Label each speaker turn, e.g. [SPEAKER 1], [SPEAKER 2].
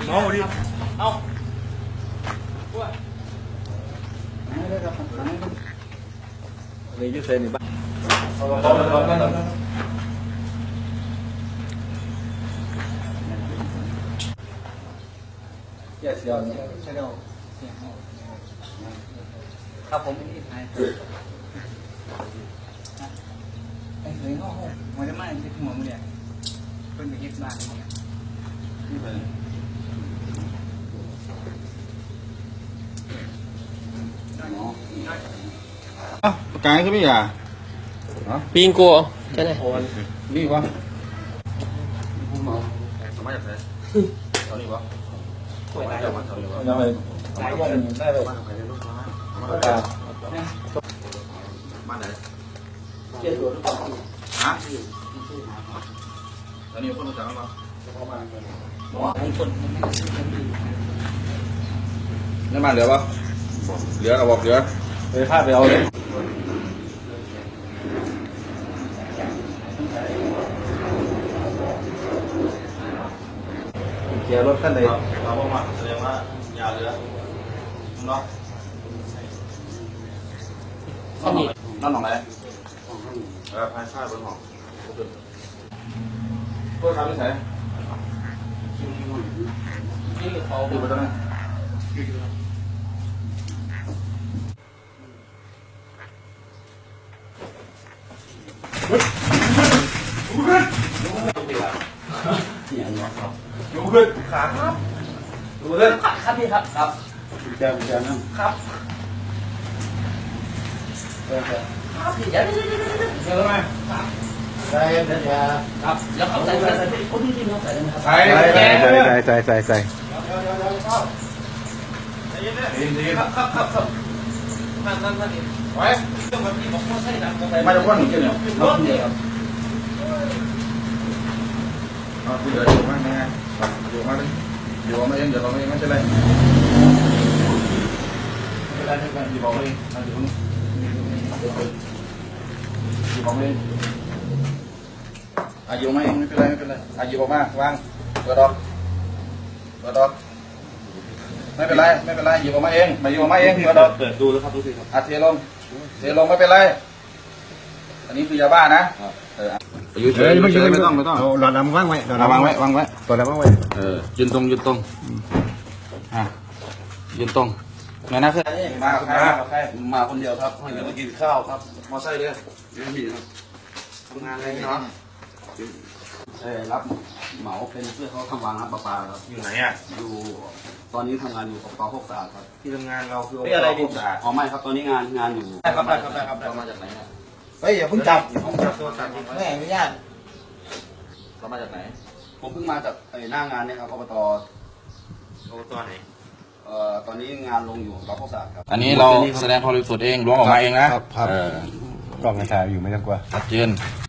[SPEAKER 1] น้องดิเอาเลยยืดเส้นนี่บ้างเสียเสียวเนี่ยใช่ไหมครับผมไม่ได้ทายไอ้เคยเข้าห้องมันจะไม่ใช่หัวมึงเนี่ยเป็นไปยึดบ้านเนี่ย
[SPEAKER 2] กายใช่ไหมอ่ะ
[SPEAKER 3] ปีนกัวใช่ไหม
[SPEAKER 2] นี่วะสมัยจากไหนเท่านี้วะมาจากวันเท่านี้วะยังไงได้เลยบ้านใครเป็นลูกค้าบ้านไหนเชี่ยตัวหรือเปล่าฮะแล้วนี่คนรู้จักมั้ยมั้งนี่มาเหลือปะเหลือเราบอกเหลือไปพลาดไปเอาเลยเกียร์รถขั้นใดเราบอกมาแสดงว่าอย่าเหลือเนาะนั่นหนองไหนพายชาติบนหองตัวทำไม่ใช่เขาดูไปตรงนั้นดูขึ้นขาครับดูขึ้นครับพี่ครับครับแจมนะครับครับพี่เดี๋ยวเจอไหมใส่เดี๋ยวครับแล้วเขาใส่คนที่เขาใส่ไหมครับใส่ครับนั่นไว้ต้องแบบนี้บอกว่าใส่ดังมาจากว่าหนึ่งเจ้าเนี่ยรถเนี่ยครับเอาคุยเลยอยู่มากไงอยู่มากเลยอยู่มาเองเดี๋ยวเราไม่ใช่ไรไม่เป็นไรไม่เป็นไรอยู่บอกเองอยู่นี่อยู่บอกเองอยู่มาเองไม่เป็นไรอยู่บอกมาวางเปิดออกไม่เป็นไรอยู่บอกมาเองมาอยู่บอกมาเองเปิดออกเปิดดูแล้วครับดูสิครับเทลงไม่เป็นไรอันนี้คือยาบ้านะอยู่เฉยไม่ต้องหลอดน้ำวางไว้วางไว้ตัวแล้ววางไว้ยืนตรงยืนตรงไงนะเพื่อนมาคนเดียวครับให้มากินข้าวครับมอไซค์เลยไม่มีครับทำงานอะไรเนาะรับเหมาเป็นเพื่อเขาทำวางน้ำประปาครับอยู่ไหนอ่ะอยู่ตอนนี้ทำงานอยู่กับปอพกสะอาดครับที่ทำงานเราคืออะไรพกสะอาดอ๋อไม่ครับตอนนี้งานอยู่ได้ครับเรามาจากไหนครับเฮ้ยอย่าเพิ่งจับแม่อนุญาตเรามาจากไหนผมเพิ่งมาจากหน้างานเนี่ยครับอบตไหนตอนนี้งานลงอยู่กับพวกศาสตร์ครับอันนี้เราแสดงความบริสุทธิ์เองล้วงออกมาเองนะครับกล้องถ่ายอยู่ไม่ต้องกลัวชัดเจน